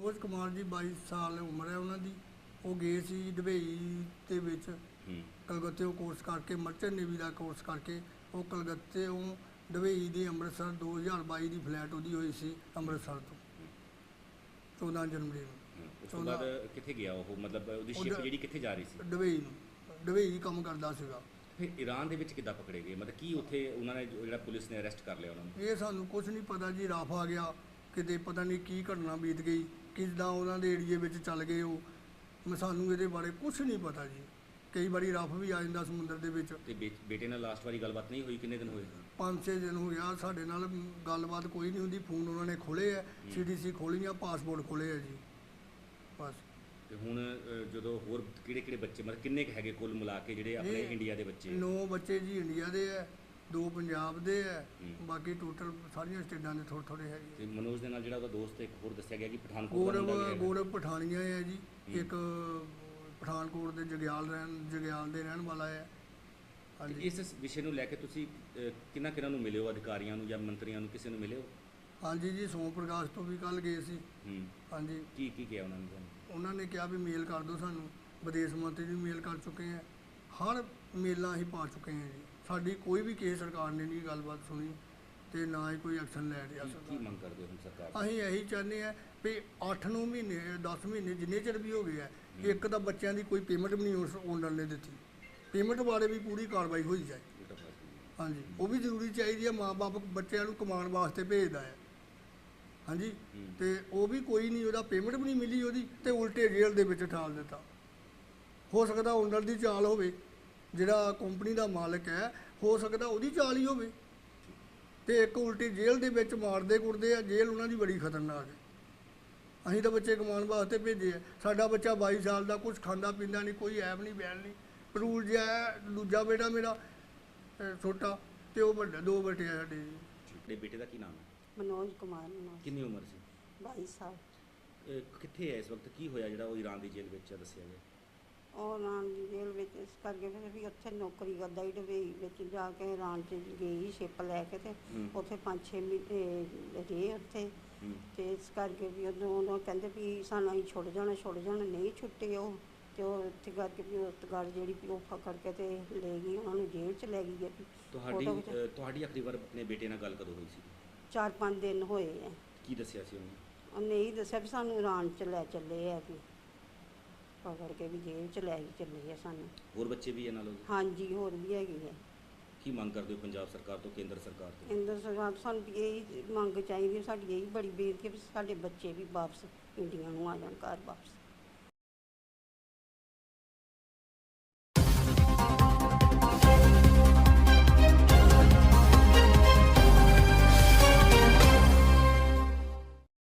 ਸੰਤੋਸ਼ ਕੁਮਾਰ ਜੀ 22 ਸਾਲ ਉਮਰ ਹੈ ਉਹਨਾਂ ਦੀ। ਉਹ ਗਏ ਸੀ ਦੁਬਈ ਦੇ ਵਿੱਚ ਕਲਕੱਤੇੋਂ ਕੋਰਸ ਕਰਕੇ, ਮਰਚੈਂਟ ਨੇਵੀ ਦਾ ਕੋਰਸ ਕਰਕੇ। ਉਹ ਕਲਕੱਤੇੋਂ ਦੁਬਈ ਦੀ ਅੰਮ੍ਰਿਤਸਰ 2022 ਦੀ ਫਲਾਈਟ ਉਹਦੀ ਹੋਈ ਸੀ ਅੰਮ੍ਰਿਤਸਰ ਤੋਂ 14 ਜਨਵਰੀ ਨੂੰ। ਉਸ ਤੋਂ ਬਾਅਦ ਕਿੱਥੇ ਗਿਆ ਉਹ, ਮਤਲਬ ਉਹਦੀ ਸ਼ਿਪ ਜਿਹੜੀ ਕਿੱਥੇ ਜਾ ਰਹੀ ਸੀ? ਦੁਬਈ ਨੂੰ, ਦੁਬਈ ਕੰਮ ਕਰਦਾ ਸੀਗਾ। ਫਿਰ ਈਰਾਨ ਦੇ ਵਿੱਚ ਕਿੱਦਾਂ ਪਕੜੇ ਗਏ, ਮਤਲਬ ਕੀ ਉੱਥੇ ਉਹਨਾਂ ਨੇ ਜਿਹੜਾ ਪੁਲਿਸ ਨੇ ਅਰੈਸਟ ਕਰ ਲਿਆ ਉਹਨਾਂ ਨੂੰ? ਇਹ ਸਾਨੂੰ ਕੁਝ ਨਹੀਂ ਪਤਾ ਜੀ। ਰਫ ਆ ਗਿਆ ਕਿਤੇ, ਪਤਾ ਨਹੀਂ ਕੀ ਘਟਨਾ ਬੀਤ ਗਈ, ਕਿੱਦਾਂ ਉਹਨਾਂ ਦੇ ਏਰੀਏ ਵਿੱਚ ਚੱਲ ਗਏ ਉਹ। ਸਾਨੂੰ ਇਹਦੇ ਬਾਰੇ ਕੁਝ ਨਹੀਂ ਪਤਾ ਜੀ। ਕਈ ਵਾਰੀ ਰਫ ਵੀ ਆ ਜਾਂਦਾ ਸਮੁੰਦਰ ਦੇ ਵਿੱਚ। ਤੇ ਬੇਟੇ ਨਾਲ ਲਾਸਟ ਵਾਰੀ ਗੱਲਬਾਤ ਨਹੀਂ ਹੋਈ? ਕਿੰਨੇ ਦਿਨ ਹੋਏ? 5-6 ਦਿਨ ਹੋ ਗਿਆ ਸਾਡੇ ਨਾਲ ਗੱਲਬਾਤ ਕੋਈ ਨਹੀਂ ਹੁੰਦੀ। ਫੋਨ ਉਹਨਾਂ ਨੇ ਖੋਲ੍ਹੇ ਆ, CDC ਖੋਲ੍ਹੀਆਂ, ਪਾਸਪੋਰਟ ਖੋਲ੍ਹੇ ਆ ਜੀ, ਬਸ। ਤੇ ਹੁਣ ਜਦੋਂ ਹੋਰ ਕਿਹੜੇ ਬੱਚੇ, ਮਤਲਬ ਕਿੰਨੇ ਕੁ ਹੈਗੇ ਕੁੱਲ ਮਿਲਾ ਕੇ ਜਿਹੜੇ ਆਪਣੇ ਇੰਡੀਆ ਦੇ ਬੱਚੇ? 9 ਬੱਚੇ ਜੀ ਇੰਡੀਆ ਦੇ ਆ, 2 ਪੰਜਾਬ ਦੇ ਆ, ਬਾਕੀ ਟੋਟਲ ਸਾਰੀਆਂ ਸਟੇਟਾਂ ਦੇ ਥੋੜ੍ਹੇ ਹੈਗੇ। ਤੇ ਮਨੋਜ ਦੇ ਨਾਲ ਜਿਹੜਾ ਉਹਦਾ ਦੋਸਤ ਇੱਕ ਹੋਰ ਦੱਸਿਆ ਗਿਆ ਕਿ ਪਠਾਨਕੋਟ ਦਾ ਮੁੰਡਾ ਵੀ ਗੌਰਵ ਪਠਾਨੀਆ ਹੈ ਜੀ, ਇੱਕ ਪਠਾਨਕੋਟ ਦੇ ਜਗਿਆਲ ਦੇ ਰਹਿਣ ਵਾਲਾ ਹੈ। ਹਾਂਜੀ। ਇਸ ਵਿਸ਼ੇ ਨੂੰ ਲੈ ਕੇ ਤੁਸੀਂ ਕਿਹਨਾਂ ਨੂੰ ਮਿਲੇ ਹੋ, ਅਧਿਕਾਰੀਆਂ ਨੂੰ ਜਾਂ ਮੰਤਰੀਆਂ ਨੂੰ, ਕਿਸੇ ਨੂੰ ਮਿਲੇ ਹੋ? ਹਾਂਜੀ ਜੀ, ਸੋਮ ਪ੍ਰਕਾਸ਼ ਤੋਂ ਵੀ ਕੱਲ੍ਹ ਗਏ ਸੀ। ਹਾਂਜੀ। ਕੀ ਕਿਹਾ ਉਹਨਾਂ ਨੇ? ਉਹਨਾਂ ਨੇ ਕਿਹਾ ਵੀ ਮੇਲ ਕਰ ਦਿਓ ਸਾਨੂੰ। ਵਿਦੇਸ਼ ਮੰਤਰੀ ਨੂੰ ਮੇਲ ਕਰ ਚੁੱਕੇ ਹਾਂ, ਹਰ ਮੇਲਾਂ ਅਸੀਂ ਪਾ ਚੁੱਕੇ ਹਾਂ ਜੀ। ਸਾਡੀ ਕੋਈ ਵੀ ਕਿਸੇ ਸਰਕਾਰ ਨੇ ਨਹੀਂ ਗੱਲਬਾਤ ਸੁਣੀ ਤੇ ਨਾ ਹੀ ਕੋਈ ਐਕਸ਼ਨ ਲੈ ਰਿਹਾ ਸਰਕਾਰ। ਕੀ ਮੰਗ ਕਰਦੇ ਹੋ ਹੁਣ ਸਰਕਾਰ? ਅਸੀਂ ਇਹੀ ਚਾਹੁੰਦੇ ਹਾਂ ਵੀ 8-9 ਮਹੀਨੇ 10 ਮਹੀਨੇ ਜਿੰਨੇ ਚਿਰ ਵੀ ਹੋ ਗਏ ਆ, ਇੱਕ ਤਾਂ ਬੱਚਿਆਂ ਦੀ ਕੋਈ ਪੇਮੈਂਟ ਵੀ ਨਹੀਂ ਉਸ ਓਨਰ ਨੇ ਦਿੱਤੀ। ਪੇਮੈਂਟ ਬਾਰੇ ਵੀ ਪੂਰੀ ਕਾਰਵਾਈ ਹੋਈ ਜਾਏ। ਹਾਂਜੀ, ਉਹ ਵੀ ਜ਼ਰੂਰੀ ਚਾਹੀਦੀ ਹੈ। ਮਾਂ-ਬਾਪ ਬੱਚਿਆਂ ਨੂੰ ਕਮਾਉਣ ਵਾਸਤੇ ਭੇਜਦਾ ਹੈ। ਹਾਂਜੀ, ਤੇ ਉਹ ਵੀ ਕੋਈ ਨਹੀਂ, ਉਹਦਾ ਪੇਮੈਂਟ ਵੀ ਨਹੀਂ ਮਿਲੀ ਉਹਦੀ, ਤੇ ਉਲਟੇ ਜੇਲ੍ਹ ਦੇ ਵਿੱਚ ਠਾਲ ਦਿੱਤਾ। ਹੋ ਸਕਦਾ ਓਨਰ ਦੀ ਚਾਲ ਹੋਵੇ, ਜਿਹੜਾ ਕੰਪਨੀ ਦਾ ਮਾਲਕ ਹੈ, ਹੋ ਸਕਦਾ ਉਹਦੀ ਚਾਲ ਹੀ ਹੋਵੇ। ਤੇ ਇੱਕ ਉਲਟੀ ਜੇਲ੍ਹ ਦੇ ਵਿੱਚ ਮਾਰਦੇ ਕੁੱਟਦੇ ਆ। ਜੇਲ੍ਹ ਉਹਨਾਂ ਦੀ ਬੜੀ ਖਤਰਨਾਕ ਹੈ। ਅਸੀਂ ਤਾਂ ਬੱਚੇ ਕਮਾਉਣ ਵਾਸਤੇ ਭੇਜੇ ਆ। ਸਾਡਾ ਬੱਚਾ 22 ਸਾਲ ਦਾ, ਕੁਝ ਖਾਂਦਾ ਪੀਂਦਾ ਨਹੀਂ, ਕੋਈ ਐਬ ਨਹੀਂ ਬੈਲ ਨਹੀਂ, ਪਰੂਲ ਜਿਹਾ ਹੈ। ਦੂਜਾ ਬੇਟਾ ਮੇਰਾ ਛੋਟਾ, ਤੇ ਉਹ ਵੱਡਾ, 2 ਬੇਟੇ ਆ ਸਾਡੇ। ਤੁਹਾਡੇ ਬੇਟੇ ਦਾ ਕੀ ਨਾਮ ਹੈ? ਮਨੋਜ ਕੁਮਾਰ। ਮਨੋਜ। ਕਿੰਨੀ ਉਮਰ ਸੀ? 22 ਸਾਲ। ਕਿੱਥੇ ਹੈ ਇਸ ਵਕਤ? ਕੀ ਹੋਇਆ ਜਿਹੜਾ ਉਹ ਈਰਾਨ ਦੀ ਜੇਲ੍ਹ ਵਿੱਚ ਦੱਸਿਆ ਗਿਆ? ਉਹ ਈਰਾਨ ਦੀ ਜੇਲ੍ਹ ਵਿੱਚ ਇਸ ਕਰਕੇ ਫਿਰ ਵੀ ਉੱਥੇ ਨੌਕਰੀ ਕਰਦਾ ਹੀ, ਦੁਬਈ ਵਿੱਚ ਜਾ ਕੇ ਈਰਾਨ 'ਚ ਗਈ ਸ਼ਿਪ ਲੈ ਕੇ, ਤੇ ਉੱਥੇ 5-6 ਮਹੀਨੇ ਰਹੇ ਉੱਥੇ। ਤੇ ਇਸ ਕਰਕੇ ਵੀ ਉਦੋਂ ਕਹਿੰਦੇ ਵੀ ਸਾਨੂੰ ਅਸੀਂ ਛੁੱਟ ਜਾਣਾ, ਨਹੀਂ ਛੁੱਟੇ ਉਹ। ਤੇ ਉਹ ਇੱਥੇ ਕਰਕੇ ਵੀ ਉਸ ਗੱਲ ਜਿਹੜੀ ਵੀ ਉਹ ਫਕੜ ਕੇ ਤੇ ਲੈ ਗਈ, ਉਹਨਾਂ ਨੂੰ ਜੇਲ੍ਹ 'ਚ ਲੈ ਗਈ ਹੈ। ਤੁਹਾਡੀ ਆਖਰੀ ਵਾਰ ਆਪਣੇ ਬੇਟੇ ਨਾਲ ਗੱਲ ਕਦੋਂ ਹੋਈ ਸੀ? 4-5 ਦਿਨ ਹੋਏ ਆ। ਕੀ ਦੱਸਿਆ ਸੀ ਉਹਨੇ? ਉਹਨੇ ਇਹੀ ਦੱਸਿਆ ਵੀ ਸਾਨੂੰ ਈਰਾਨ 'ਚ ਲੈ ਚੱਲੇ ਆ, ਵੀ ਪਕੜ ਕੇ ਵੀ ਜੇਲ੍ਹ 'ਚ ਲੈ ਕੇ ਚੱਲੇ ਆ ਸਾਨੂੰ। ਹੋਰ ਬੱਚੇ ਵੀ ਇਹਨਾਂ ਨਾਲ? ਹਾਂਜੀ, ਹੋਰ ਵੀ ਹੈਗੇ ਆ। ਕੀ ਮੰਗ ਕਰਦੇ ਹੋ ਪੰਜਾਬ ਸਰਕਾਰ ਤੋਂ, ਕੇਂਦਰ ਸਰਕਾਰ ਤੋਂ? ਕੇਂਦਰ ਸਰਕਾਰ ਤੋਂ ਸਾਨੂੰ ਇਹ ਮੰਗ ਚਾਹੀਦੀ, ਸਾਡੀ ਇਹੀ ਬੜੀ ਬੇਨਤੀ ਹੈ ਵੀ ਸਾਡੇ ਬੱਚੇ ਵੀ ਵਾਪਸ ਇੰਡੀਆ ਨੂੰ ਆ ਜਾਣ, ਘਰ ਵਾਪਸ।